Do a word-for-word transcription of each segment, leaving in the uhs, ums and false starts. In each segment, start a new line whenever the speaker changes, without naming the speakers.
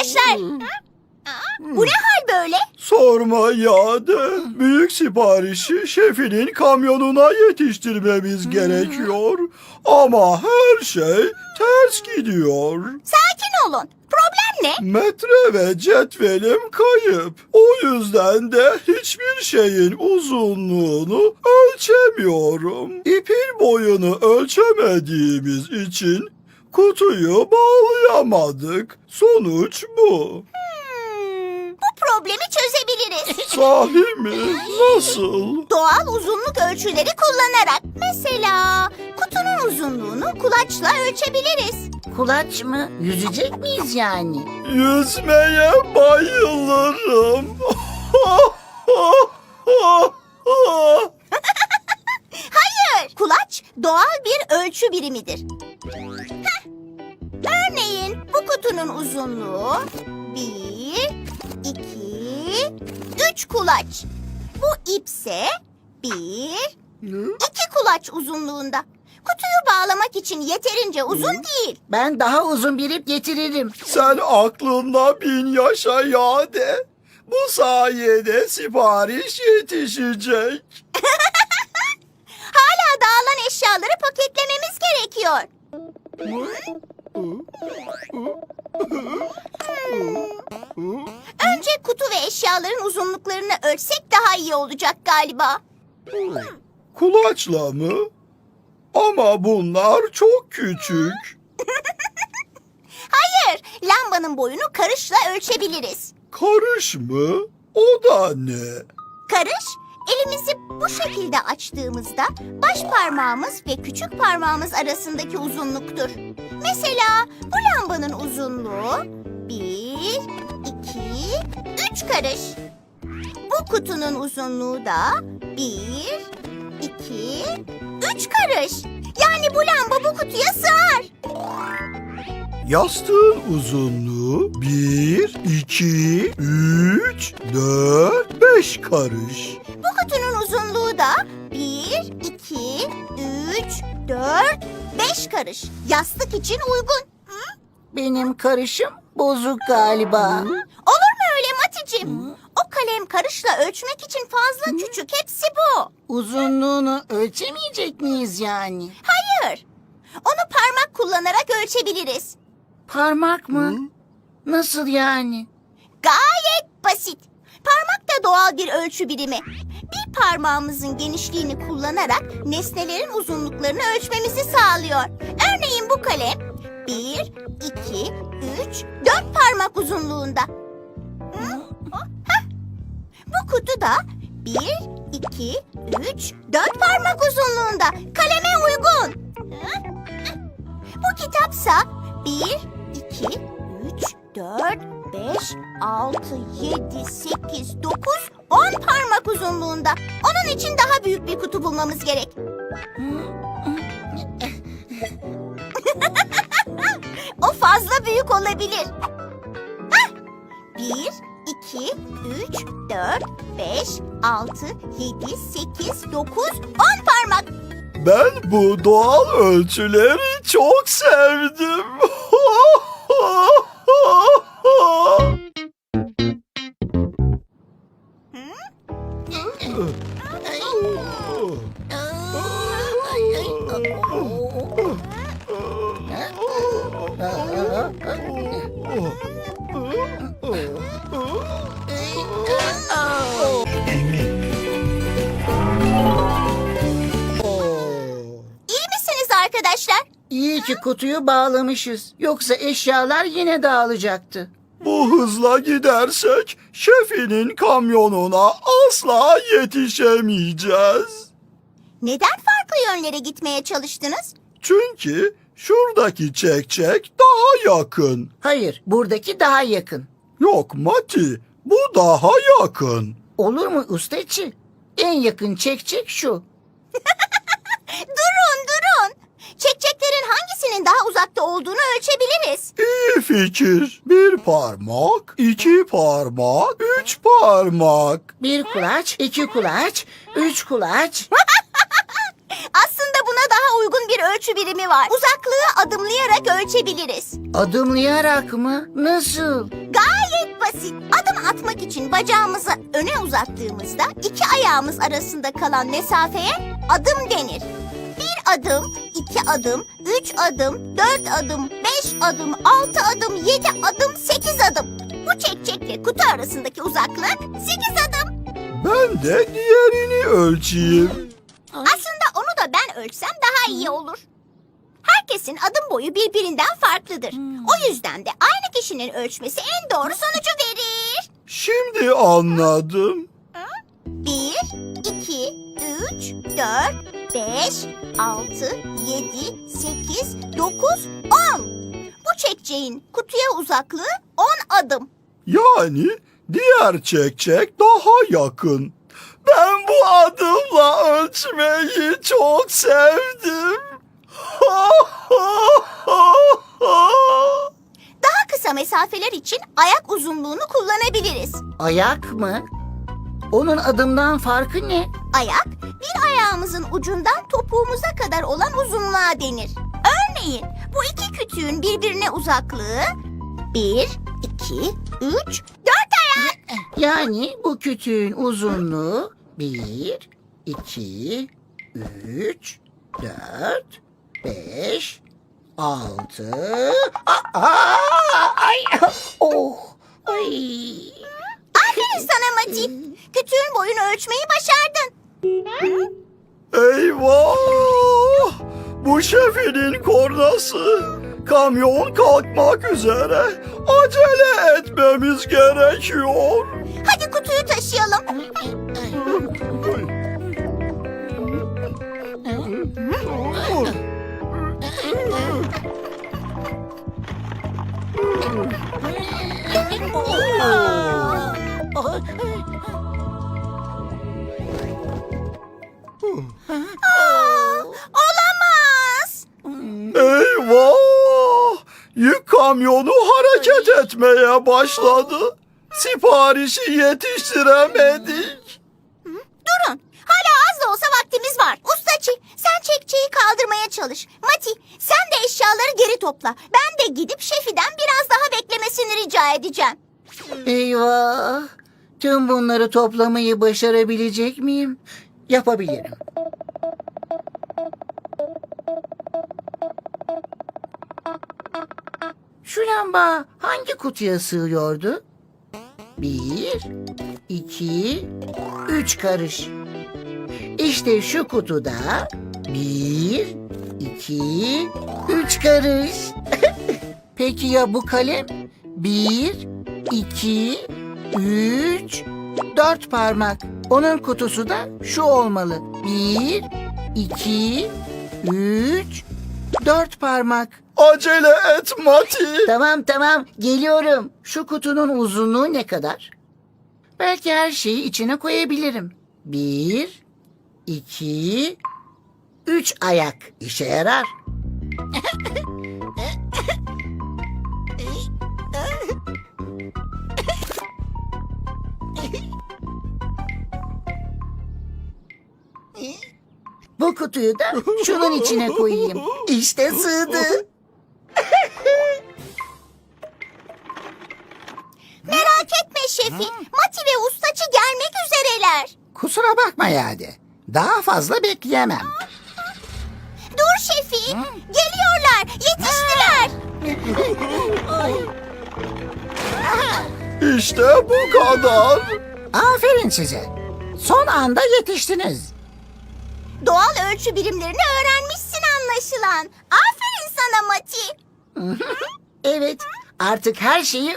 arkadaşlar. Bu ne hal böyle?
Sorma Yade. Büyük siparişi şefinin kamyonuna yetiştirmemiz gerekiyor. Ama her şey ters gidiyor.
Sakin olun. Problem ne?
Metre ve cetvelim kayıp. O yüzden de hiçbir şeyin uzunluğunu ölçemiyorum. İpin boyunu ölçemediğimiz için kutuyu bağlayamadık. Sonuç bu.
Hmm, bu problemi çözebiliriz.
Sahi mi? Nasıl?
Doğal uzunluk ölçüleri kullanarak. Mesela kutunun uzunluğunu kulaçla ölçebiliriz.
Kulaç mı? Yüzecek miyiz yani?
Yüzmeye bayılırım.
Hayır. Kulaç doğal bir ölçü birimidir. Heh. Örneğin bu kutunun uzunluğu bir, iki, üç kulaç. Bu ipse bir, iki kulaç uzunluğunda. Kutuyu bağlamak için yeterince uzun değil.
Ben daha uzun bir ip getiririm.
Sen aklınla bin yaşa Yade. Bu sayede sipariş yetişecek.
Hala dağılan eşyaları paketlememiz gerekiyor. Hmm. Önce kutu ve eşyaların uzunluklarını ölçsek daha iyi olacak galiba.
Kulaçla mı? Ama bunlar çok küçük.
Hayır, lambanın boyunu karışla ölçebiliriz.
Karış mı? O da ne?
Karış, elimizi bu şekilde açtığımızda baş parmağımız ve küçük parmağımız arasındaki uzunluktur. Mesela bu lambanın uzunluğu bir, iki, üç karış. Bu kutunun uzunluğu da bir, iki, üç karış. Yani bu lamba bu kutuya sığar.
Yastığın uzunluğu bir, iki, üç, dört, beş karış.
Bu kutunun uzunluğu da bir, iki, üç, dört, beş karış. Yastık için uygun.
Benim karışım bozuk galiba.
Olur mu öyle Maticim? O kalem karışla ölçmek için fazla küçük. Hepsi bu.
Uzunluğunu ölçemeyecek miyiz yani?
Hayır. Onu parmak kullanarak ölçebiliriz.
Parmak mı? Nasıl yani?
Gayet basit. Parmak da doğal bir ölçü birimi. Bir parmağımızın genişliğini kullanarak nesnelerin uzunluklarını ölçmemizi sağlıyor. Örneğin bu kalem bir, iki, üç, dört parmak uzunluğunda. Hı? Hah. Bu kutu da bir, iki, üç, dört parmak uzunluğunda. Kaleme uygun. Hı? Bu kitapsa bir, iki, üç, dört, beş, altı, yedi, sekiz, dokuz, on parmak uzunluğunda. Onun için daha büyük bir kutu bulmamız gerek. O fazla büyük olabilir. Hah! Bir, iki, üç, dört, beş, altı, yedi, sekiz, dokuz, on parmak.
Ben bu doğal ölçüleri çok sevdim.
İyi misiniz arkadaşlar?
İyi ki kutuyu bağlamışız. Yoksa eşyalar yine dağılacaktı.
Bu hızla gidersek şefinin kamyonuna asla yetişemeyeceğiz.
Neden farklı yönlere gitmeye çalıştınız?
Çünkü şuradaki çekçek daha yakın.
Hayır, buradaki daha yakın.
Yok Mati, bu daha yakın.
Olur mu ustaçı? En yakın çekçek şu.
Durun durun. Çekçeklerin hangisinin daha uzakta olduğunu ölçebiliriz.
İyi fikir. Bir parmak, iki parmak, üç parmak.
Bir kulaç, iki kulaç, üç kulaç.
Aslında buna daha uygun bir ölçü birimi var. Uzaklığı adımlayarak ölçebiliriz.
Adımlayarak mı? Nasıl?
Gayet basit. Adım atmak için bacağımızı öne uzattığımızda iki ayağımız arasında kalan mesafeye adım denir. Bir adım, iki adım, üç adım, dört adım, beş adım, altı adım, yedi adım, sekiz adım. Bu çekçekle kutu arasındaki uzaklık sekiz adım.
Ben de diğerini ölçeyim.
Aslında onu da ben ölçsem daha iyi olur. Herkesin adım boyu birbirinden farklıdır. O yüzden de aynı kişinin ölçmesi en doğru sonucu verir.
Şimdi anladım.
Bir, iki, üç, dört, beş, altı, yedi, sekiz, dokuz, on. Bu çekçeğin kutuya uzaklığı on adım.
Yani diğer çekçek daha yakın. Ben bu adımla ölçmeyi çok sevdim.
Daha kısa mesafeler için ayak uzunluğunu kullanabiliriz.
Ayak mı? Onun adımdan farkı ne?
Ayak, bir ayağımızın ucundan topuğumuza kadar olan uzunluğa denir. Örneğin bu iki kütüğün birbirine uzaklığı bir, iki, üç, dört ayak.
Yani bu kütüğün uzunluğu bir, iki, üç, dört, beş, altı... Aa, ay, oh, ay.
Aferin sana Mati. Kütüğün boyunu ölçmeyi başardın.
Eyvah! Bu şefinin kornası. Kamyon kalkmak üzere. Acele etmemiz gerekiyor.
Hadi kutuyu taşıyalım. Aa, olamaz.
Eyvah! Yük kamyonu hareket etmeye başladı. Siparişi yetiştiremedik.
Durun. Hala az da olsa vaktimiz var. Ustaçı, sen çekçeyi kaldırmaya çalış. Mati, sen de eşyaları geri topla. Ben de gidip şefiden biraz daha beklemesini rica edeceğim.
Eyvah! Tüm bunları toplamayı başarabilecek miyim? Yapabilirim. Şu lamba hangi kutuya sığıyordu? Bir, iki, üç karış. İşte şu kutuda bir, iki, üç karış. Peki ya bu kalem? Bir, iki, üç, dört parmak. Onun kutusu da şu olmalı. Bir, iki, üç, dört parmak.
Acele et Mati.
Tamam tamam geliyorum. Şu kutunun uzunluğu ne kadar? Belki her şeyi içine koyabilirim. Bir, iki, üç ayak işe yarar. Bu kutuyu da şunun içine koyayım. İşte sığdı.
Merak etme şefi. Mati ve ustaçı gelmek üzereler.
Kusura bakma yani. Daha fazla bekleyemem.
Dur şefi. Geliyorlar. Yetiştiler.
İşte bu kadar.
Aferin size. Son anda yetiştiniz.
Doğal ölçü birimlerini öğrenmişsin anlaşılan. Aferin sana Mati.
Evet, artık her şeyi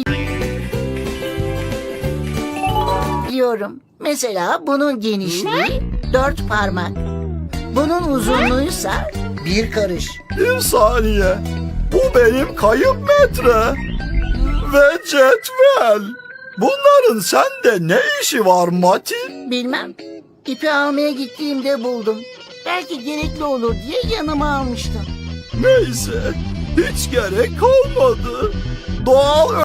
ölçebiliyorum. Mesela bunun genişliği dört parmak. Bunun uzunluğuysa bir karış.
Bir saniye. Bu benim kayıp metre. Ve cetvel. Bunların sende ne işi var Mati?
Bilmem. İpi almaya gittiğimde buldum. Belki gerekli olur diye yanıma almıştım.
Neyse. Hiç gerek kalmadı. Doğal